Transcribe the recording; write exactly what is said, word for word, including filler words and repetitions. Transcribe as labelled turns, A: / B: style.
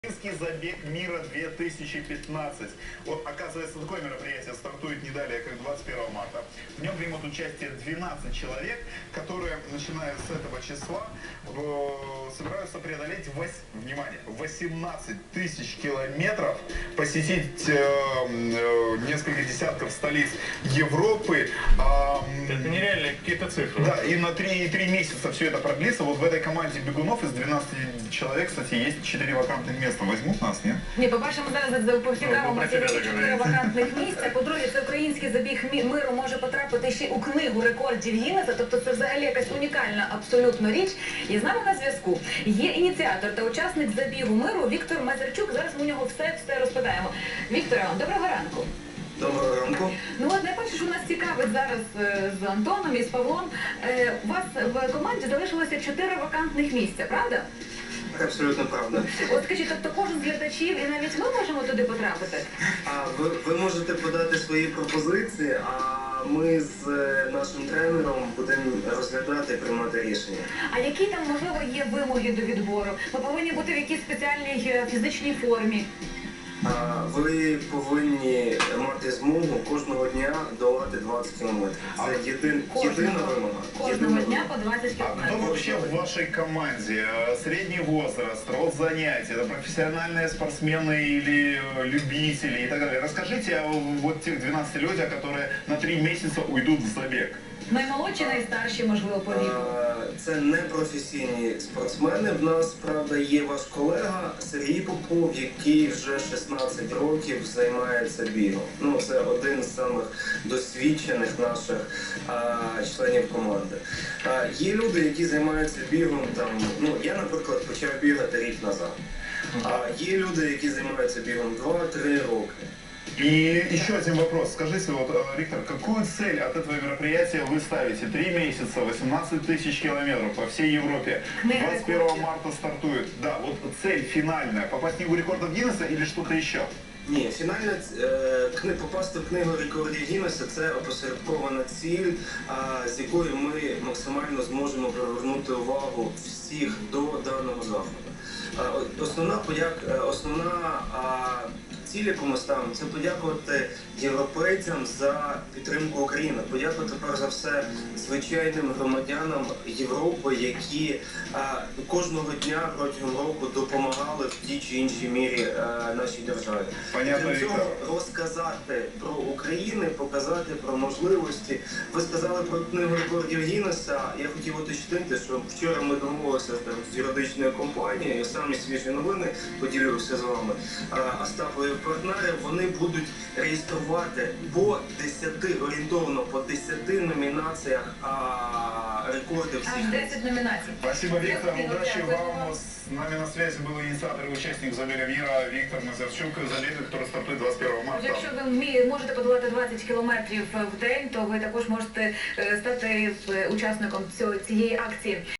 A: Украинский забег мира две тысячи пятнадцать. Вот, оказывается, такое мероприятие стартует не далее, как двадцать первого марта. В нем примут участие двенадцать человек, которые, начиная с этого числа, собираются преодолеть, вось, внимание, восемнадцать тысяч километров, посетить э, э, несколько десятков столиц Европы. Э,
B: это нереальные какие-то цифры.
A: Да, и на три месяца все это продлится. Вот в этой команде бегунов из двенадцати человек, кстати, есть четыре вакантных места. Возьмуть нас, ні?
C: Ні, по-перше, ми зараз повідомимо чотири вакантних місця. По-друге, це український забіг миру може потрапити ще у книгу рекордів Гіннеса. Тобто це взагалі якась унікальна абсолютно річ. І з нами на зв'язку є ініціатор та учасник забігу миру Віктор Мазерчук. Зараз ми у нього все-все розпитаємо. Вікторе, доброго ранку.
D: Доброго ранку.
C: Ну от найперше, що нас цікавить зараз з Антоном і з Павлом, у вас в команді залишилося чотири вакантних місця, правда?
D: Абсолютно правда.
C: От скажіть, тобто кожен з глядачів і навіть ми можемо туди потрапити?
D: А ви, ви можете подати свої пропозиції, а ми з нашим тренером будемо розглядати і приймати рішення.
C: А які там, можливо, є вимоги до відбору? Ми повинні бути в якійсь спеціальній фізичній формі.
D: А, ви повинні мати змогу кожного дня долати двадцять кілометрів. Це єдин, єдина вимога.
C: Кожного дня по двадцять
A: А кто
C: кілометрів.
A: вообще в вашей команде? Средний возраст, род занятий, это профессиональные спортсмены или любители и так далее? Расскажите о вот тех двенадцати людях, которые на три месяца уйдут в забег.
C: Наймолодші, найстарші, можливо, по віку.
D: А, це не професійні спортсмени. В нас, правда, є ваш колега Сергій Попов, який вже шістнадцять років займається бігом. Ну, це один з самих досвідчених наших а, членів команди. А, є люди, які займаються бігом там, ну, я, наприклад, почав бігати рік назад. А, є люди, які займаються бігом два-три роки.
A: И еще один вопрос. Скажите, вот, Виктор, какую цель от этого мероприятия вы ставите? Три месяца, восемнадцать тысяч километров по всей Европе. двадцать первого марта стартует. Да, вот цель финальная. Попасть в книгу рекордов Гиннесса или что-то еще?
D: Ні, фінальна е, кни, попасти в книгу рекордів Гіннеса – це опосередкована ціль, а, з якою ми максимально зможемо привернути увагу всіх до даного заходу. А, основна, подяк, основна а, ціль, яку ми ставимо, це подякувати європейцям за підтримку України, подякувати, перш за все, звичайним громадянам Європи, які а, кожного дня протягом року допомагали в тій чи іншій мірі а, нашій державі.
A: Понятно,
D: Для цього розказати про Україну, показати про можливості. Ви сказали про книгу рекордів Гіннеса. Я хотів уточнити, що вчора ми домовилися там, з юридичною компанією, самі свіжі новини поділюся з вами. Остапові партнери, вони будуть реєструвати по десяти, орієнтовно по десяти номінаціях а, рекордів.
C: Аж десять номінацій.
A: Спасибо, Виктор. Удачи вам. С нами на связи был инициатор и участник забега мира Виктор Мазерчук. Забега, который стартует двадцать первого марта.
C: Якщо ви можете подолати двадцять кілометрів в день, то ви також можете стати учасником цієї акції.